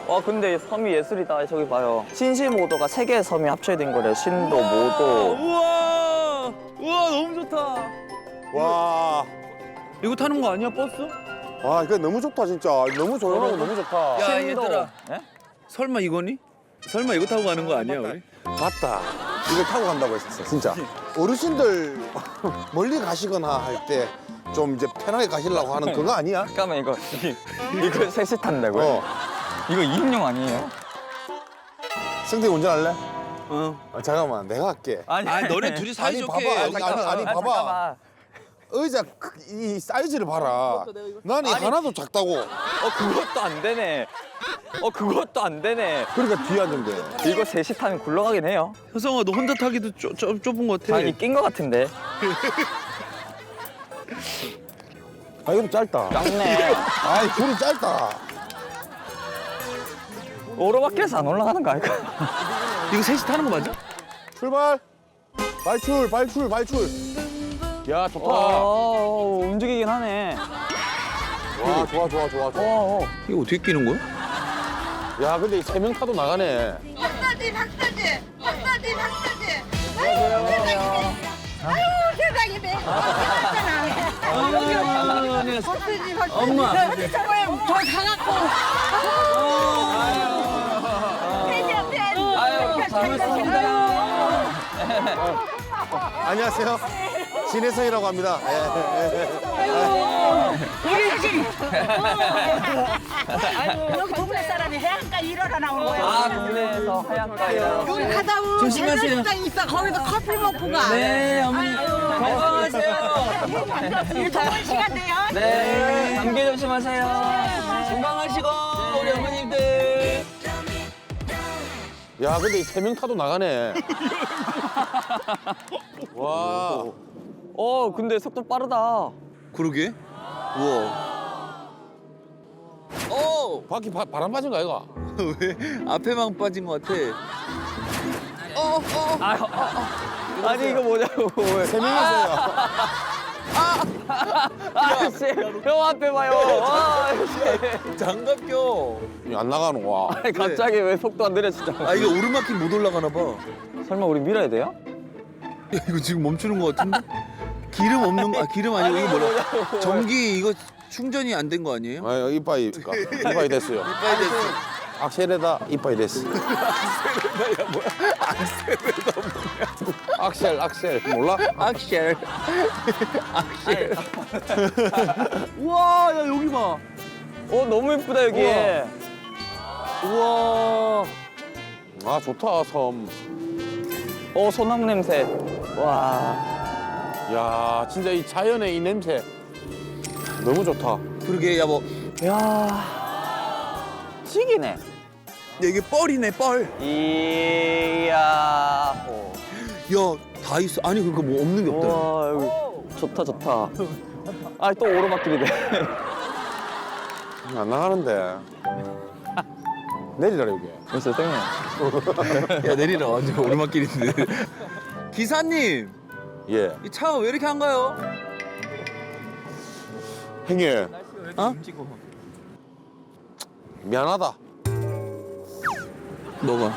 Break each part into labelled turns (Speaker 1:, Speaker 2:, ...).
Speaker 1: 와 근데 섬이 예술이다. 저기 봐요. 신시모도가 3개의 섬이 합쳐진 거래. 신도, 모도.
Speaker 2: 우와. 우와 너무 좋다.
Speaker 3: 와,
Speaker 2: 이거 타는 거 아니야 버스?
Speaker 3: 와 이거 너무 좋다 진짜. 너무 조용하고 너무 좋다.
Speaker 2: 야
Speaker 1: 신도.
Speaker 2: 얘들아.
Speaker 1: 예?
Speaker 2: 설마 이거니? 설마 이거 타고 가는 거 아니야 우리?
Speaker 3: 맞다. 이걸 타고 간다고 했었어 진짜. 어르신들 멀리 가시거나 할 때 좀 이제 편하게 가시려고 하는 그거 아니야?
Speaker 1: 잠깐만 이거 셋이 탄다고요?
Speaker 3: 어.
Speaker 1: 이거 2인용 아니에요?
Speaker 3: 승태 운전할래?
Speaker 2: 어.
Speaker 3: 잠깐만 내가 할게.
Speaker 1: 아니
Speaker 2: 너네 둘이 사이 좋게.
Speaker 3: 봐봐.
Speaker 2: 여기
Speaker 3: 아니, 봐봐.
Speaker 1: 잠깐만.
Speaker 3: 의자 이 사이즈를 봐라. 난 이 하나도 작다고.
Speaker 1: 그것도 안 되네. 그것도 안 되네.
Speaker 3: 그러니까 뒤에 앉으면 돼.
Speaker 1: 이거 셋이 타면 굴러가긴 해요.
Speaker 2: 효성아 너 혼자 타기도 좁은 것 같아.
Speaker 1: 아니 낀 거 같은데.
Speaker 3: 아 이거 짧다.
Speaker 1: 짱네.
Speaker 3: 아이 줄이 짧다.
Speaker 1: 오로바길에서 안 올라가는 거 아닐까?
Speaker 2: 이거 셋이 타는 거 맞아?
Speaker 3: 출발. 발출 발출 발출. 야 좋다.
Speaker 1: 움직이긴 하네.
Speaker 3: 와 좋아 좋아 좋아 좋아.
Speaker 2: 이거 어떻게 끼는 거야?
Speaker 3: 야 근데 3명 타도 나가네.
Speaker 4: 박사지 박사지 박사지 박사지
Speaker 1: 안녕하세요.
Speaker 4: 아유 세상에 내 박사지 박사지
Speaker 2: 엄마.
Speaker 4: 저기 저거에 저 가갖고 팬이야 팬
Speaker 1: 아유, 반갑습니다.
Speaker 3: 안녕하세요. 진혜성이라고 합니다. 예.
Speaker 4: 여기 동네 사람이 해안가 일하러 나온 거야
Speaker 1: 동네에서 하얀가요.
Speaker 4: 여기 가다 보면
Speaker 2: 조심하세요.
Speaker 4: 배달시장 있어 거기서 커피 먹고 가
Speaker 2: 네 어머니 건강하세요.
Speaker 4: 일 더운 시간 돼요
Speaker 1: 네, 감기 조심하세요.
Speaker 2: 건강하시고 우리 어머님들.
Speaker 3: 야 근데 3명 타도 나가네. 와.
Speaker 1: 근데 속도 빠르다.
Speaker 2: 그러게. 우와.
Speaker 3: 바퀴 바람 빠진 거 아이가?
Speaker 2: 왜 앞에만 빠진 것 같아.
Speaker 1: 아니 이거 뭐냐고.
Speaker 3: 3명이었어요.
Speaker 1: 아씨, 형 앞에 봐요.
Speaker 2: 장갑 껴.
Speaker 3: 안 나가는 거야.
Speaker 1: 아니 갑자기 왜 속도 안 느려지죠?
Speaker 2: 아 이거 오르막길 못 올라가나 봐.
Speaker 1: 설마 우리 밀어야 돼요?
Speaker 2: 야, 이거 지금 멈추는 것 같은데? 기름 없는 거, 기름 아니고 이거 뭐라? 전기 이거 충전이 안 된 거 아니에요?
Speaker 3: 아, 이빠이 됐어요.
Speaker 2: 빨리 됐어.
Speaker 3: 악셀에다 이빠이 됐어. 악셀 몰라?
Speaker 2: 악셀. 악셀. 우와, 야 여기 봐.
Speaker 1: 너무 예쁘다 여기.
Speaker 2: 우와.
Speaker 3: 아 좋다 섬.
Speaker 1: 소나무 냄새. 와.
Speaker 3: 야 진짜 이 자연의 이 냄새 너무 좋다.
Speaker 2: 그러게, 야 뭐,
Speaker 1: 야. 찌기네.
Speaker 2: 야, 이게 뻘이네 뻘.
Speaker 1: 이야.
Speaker 2: 야, 다 있어. 아니 그러니까 뭐 없는 게 없다.
Speaker 1: 와 여기 좋다 좋다. 또 오르막길이네.
Speaker 3: 안 나가는데. 내리라 여기.
Speaker 1: 됐어 땡이.
Speaker 2: 야 내리라 완전 오르막길인데. 기사님,
Speaker 3: 예.
Speaker 2: 이 차가 왜 이렇게 한가요?
Speaker 3: 형님
Speaker 2: 어?
Speaker 3: 미안하다.
Speaker 2: 뭐가?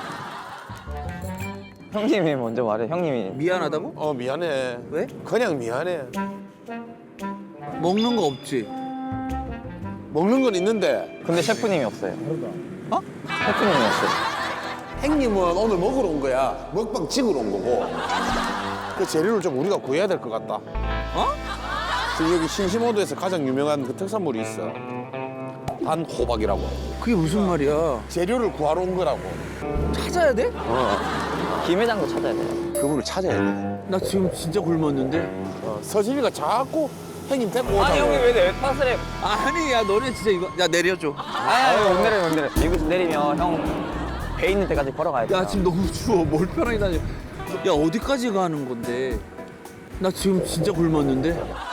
Speaker 1: 형님이 먼저 말해. 형님이.
Speaker 2: 미안하다고?
Speaker 3: 미안해.
Speaker 2: 왜?
Speaker 3: 그냥 미안해.
Speaker 2: 먹는 거 없지?
Speaker 3: 먹는 건 있는데
Speaker 1: 근데 셰프님이 없어요. 셰프님이 없어요.
Speaker 3: 형님은 오늘 먹으러 온 거야. 먹방 찍으러 온 거고. 그 재료를 좀 우리가 구해야 될 것 같다. 지금 여기 신시모도에서 가장 유명한 그 특산물이 있어. 단호박이라고.
Speaker 2: 그게 무슨 말이야?
Speaker 3: 재료를 구하러 온 거라고.
Speaker 2: 찾아야 돼?
Speaker 1: 김회장도 찾아야 돼요.
Speaker 3: 그분을 찾아야 돼.
Speaker 2: 나 지금 진짜 굶었는데.
Speaker 3: 서진이가 자꾸 형님 데리고 오자고.
Speaker 1: 아니 형님 왜 탓을 해?
Speaker 2: 아니 야 너네 진짜 이거 야 내려줘.
Speaker 1: 못 내려 못 내려. 이거 내리면 형 배 있는 데까지 걸어가야 돼.
Speaker 2: 야 지금 너무 추워. 뭘 편하게 다녀. 야 어디까지 가는 건데? 나 지금 진짜 굶었는데.